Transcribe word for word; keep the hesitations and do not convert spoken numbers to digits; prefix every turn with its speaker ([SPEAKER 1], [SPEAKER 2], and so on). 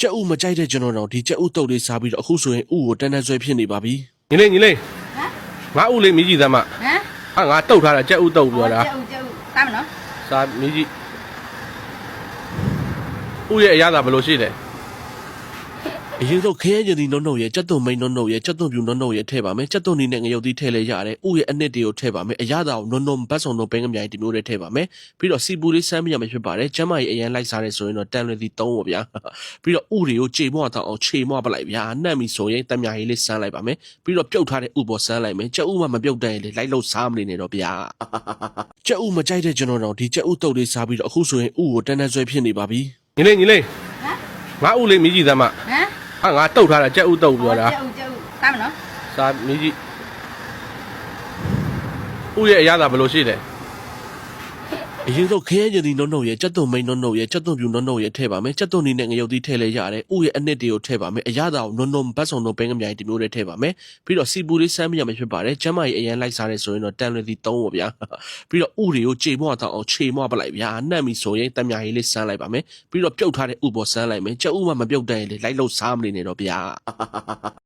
[SPEAKER 1] ကြက်ဥမကြိုက်တဲ့ကျွန်တော်တော့ဒီကြက်ဥတုပ်လေးစားပြီးတော့အခုဆိုရင်ဥကိုတန်းတန်းဆွဲဖြစ်နေပါပြီညီလေးညီလေး
[SPEAKER 2] ဟမ်
[SPEAKER 1] ငါဥလေးမြည်ကြည့်သမ်းမဟ
[SPEAKER 2] မ်
[SPEAKER 1] ဟာငါတုတ်ထားတာကြက်ဥတုပ်ပြောတာ
[SPEAKER 2] ကြက်ဥကြက်ဥသားမနော်
[SPEAKER 1] စားမြည်ကြည့်ဥရဲ့အရသာဘယ်လိုရှိလဲအရင်ဆုံးခရဲကျင်ဒီနုံနုံရဲ့ကြက်သွန်မိန်နုံနုံရဲ့ကြက်သွန်ပြူနုံနုံရဲ့ထည့်ပါမယ်ကြက်သွန်နီနဲ့ငရုတ်သီးထည့်လဲရတယ်ဥရဲ့အနှစ်တွေကိုထည့်ပါမယ်အရသာကိုနုံနုံဘတ်စုံနုံပင်းကမြိုင်ဒီမျိုးတွေထည့်ပါမယ်ပြီးတော့စီပူလေးစမ်းပြရမှာဖြစ်ပါတယ်ကျမ်းမာရေးအရန်လိုက်စားရဲဆိုရင်တော့တန်လွယ်သီးသုံးပါဗျာပြီးတော့ဥတွေကိုကြေမွတောင်အောင်ခြေမွပလိုက်ဗျာနှက်ပြီဆိုရင်တံမြာရေးလေးစမ်းလိုက်ပါမယ်ပြီးတော့ပြုတ်ထားတဲ့ဥပေါ်စမ်းလိုက်မယ်ကြက်ဥမှမပြုတ်တဲ့ရင်လေလိုက်လို့စားမနေနဲ့တော့ဗျာကြက်ဥမကြိုက်တဲ့ကျွန်တော်တော့ဒီကြက်ဥတုပ်လေးစားပြီးတော့အခုဆိုရင်ဥကိုတန်းတန်းဆွဲဖြစ်နေပါပြီညီလေးညီလေး
[SPEAKER 2] ဟမ်
[SPEAKER 1] ငါဥလေးမြည်ကြည့်သမ်းမ
[SPEAKER 2] ဟမ်
[SPEAKER 1] ဟာငါတုတ်ထားတာကြက်ဥတုပ်ပြောတာ
[SPEAKER 2] ကြက်ဥကြက်ဥသားမနော်
[SPEAKER 1] စားမြည်ကြည့်ဥရဲ့အရသာဘယ်လိုရှိလဲအရင်ဆုံးခရဲကျင်ဒီနုံနုံရဲ့ကြက်သွန်မိန်နုံနုံရဲ့ကြက်သွန်ပြူနုံနုံရဲ့ထည့်ပါမယ်ကြက်သွန်နီနဲ့ငရုတ်သီးထည့်လဲရတယ်ဥရဲ့အနှစ်တွေကိုထည့်ပါမယ်အရသာကိုနုံနုံဘတ်စုံနုံပင်းကမြိုင်ဒီမျိုးတွေထည့်ပါမယ်ပြီးတော့စီပူလေးစမ်းပြရမှာဖြစ်ပါတယ်ကျမ်းမာရေးအရန်လိုက်စားရဲဆိုရင်တော့တန်လွယ်သီးသုံးပါဗျာပြီးတော့ဥတွေကိုကြေမွတောင်အောင်ခြေမွပလိုက်ဗျာနှက်ပြီဆိုရင်တံမြာရေးလေးစမ်းလိုက်ပါမယ်ပြီးတော့ပြုတ်ထားတဲ့ဥပေါ်စမ်းလိုက်မယ်ကြက်ဥမှမပြုတ်တဲ့ရင်လေလိုက်လို့စားမနေနဲ့တော့ဗျာ